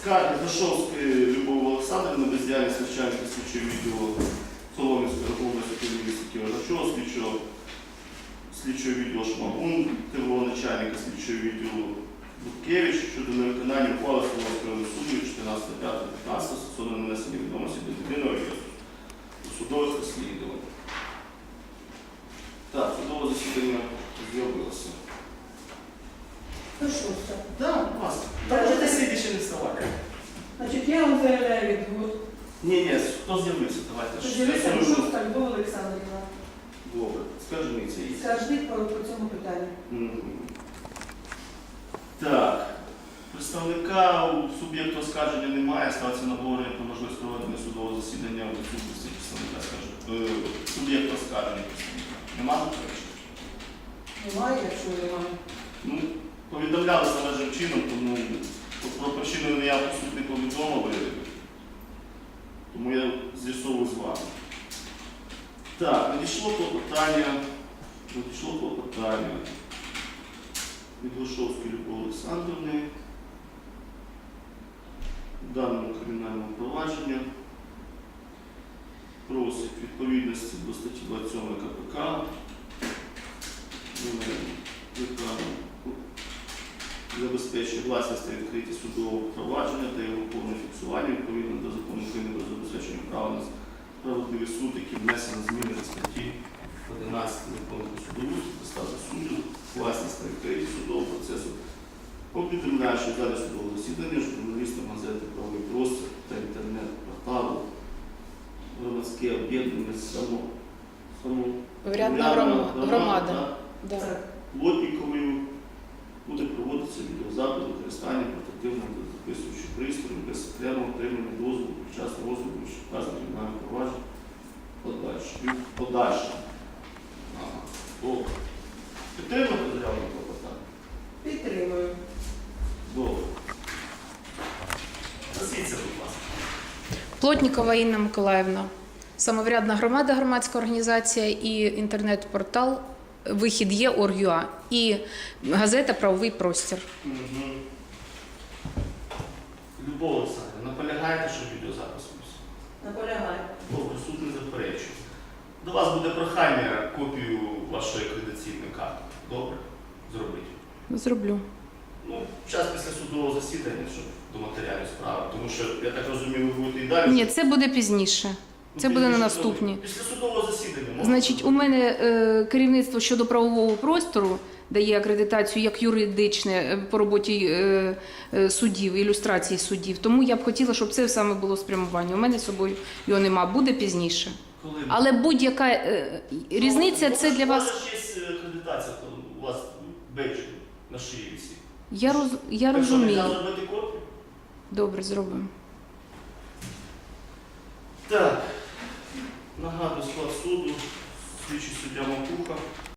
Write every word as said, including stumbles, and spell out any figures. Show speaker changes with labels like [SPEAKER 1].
[SPEAKER 1] Скарги Дашовської Любові Олександрівни, бездіяльність начальника слідчого відділу Солом'янської області Київського Кіровачова, слідчого, слідчого відділу Шмагун, тилового начальника слідчого відділу Буткевич щодо невиконання ухвали Солом'янського суду чотирнадцяте п'яте п'ятнадцяте стосовно нанесення відомості до єдиного реєстру у судових розслідувань. Так, судове засідання з'явилося.
[SPEAKER 2] Ну що це?
[SPEAKER 1] Так, будь ласка. Та можете сидіти ще не вставати.
[SPEAKER 2] Значить, я вам заявляю відгук.
[SPEAKER 1] Ні, ні, хто з'явився? Давайте.
[SPEAKER 2] З'явився Дашовська Любов Олександрівна.
[SPEAKER 1] Добре, скажи мені це їй.
[SPEAKER 2] Скажіть по, по цьому питанню.
[SPEAKER 1] Мгм. Так. Представника у суб'єкту оскарження немає, ставиться на обговорення про можливість проведення судового засідання у відсутності представника, скажу. Е, Суб'єкту оскарження представника. Нема заперечень?
[SPEAKER 2] Немає, якщо немає.
[SPEAKER 1] Ну, повідомлялися належним чином, тому про причину не я по суті не повідомили. Тому я з'ясовую з вами. Так, надійшло клопотання, надійшло клопотання від Глушовської Любові Олександрівни в даному кримінальному провадженні. Просить відповідності до статті двадцять сьомої Ка Пе Ка забезпечує власність та відкритість судового провадження та його повне фіксування відповідно до закону України про забезпечення права на справедливий суд, який внесено зміни до статті одинадцять закону про судоустрій та статус суддів, власність та відкритість судового процесу. Повідомляю, що в залі судового засідання журналістам газети «Правовий простір» та інтернет-порталу громадське об'єднання само, само
[SPEAKER 3] Врядна громада. громада. Да.
[SPEAKER 1] Плотніковою буде проводитися відеозапис використання портативного та записуючих пристроїв без окремого отримання дозволу під час розгляду, що вказано кримінальне провадження подальше. Подальше. Ага. Добре. Підтримуєте заяву клопотання?
[SPEAKER 2] Підтримую.
[SPEAKER 1] Добре. Засіться, будь ласка.
[SPEAKER 3] Плотнікова Інна Миколаївна. Самоврядна громада, громадська організація і інтернет-портал «Вихід є точка орг точка ю а» і газета «Правовий простір».
[SPEAKER 1] Угу. Любов Олександрівна, наполягаєте, щоб відеозапис був?
[SPEAKER 2] Наполягаю.
[SPEAKER 1] Добре, суд не заперечує. До вас буде прохання копію вашої акредитаційної карти. Добре? Зробіть.
[SPEAKER 3] Зроблю.
[SPEAKER 1] Ну, час після судового засідання, щоб до матеріалів справи. Тому що, я так розумію, ви будете і далі.
[SPEAKER 3] Ні, це буде пізніше.
[SPEAKER 1] Ну,
[SPEAKER 3] Це буде на
[SPEAKER 1] пізніше
[SPEAKER 3] наступні.
[SPEAKER 1] коли? Після судового засідання. можна
[SPEAKER 3] Значить, у
[SPEAKER 1] зробити.
[SPEAKER 3] мене е, керівництво щодо правового простору дає акредитацію як юридичне е, по роботі е, е, суддів, ілюстрації суддів. Тому я б хотіла, щоб це саме було спрямування. У мене з собою його нема, буде пізніше.
[SPEAKER 1] Коли?
[SPEAKER 3] Але будь-яка е, різниця
[SPEAKER 1] Ну,
[SPEAKER 3] це для
[SPEAKER 1] У
[SPEAKER 3] вас.
[SPEAKER 1] вас ж є акредитація, то у вас бейдж на шиї всі.
[SPEAKER 3] Я роз я
[SPEAKER 1] Так що,
[SPEAKER 3] розумію.
[SPEAKER 1] можна зробити копію?
[SPEAKER 3] Добре, зробимо.
[SPEAKER 1] Так. Нагадую склад суду. Слідчий суддя Макуха.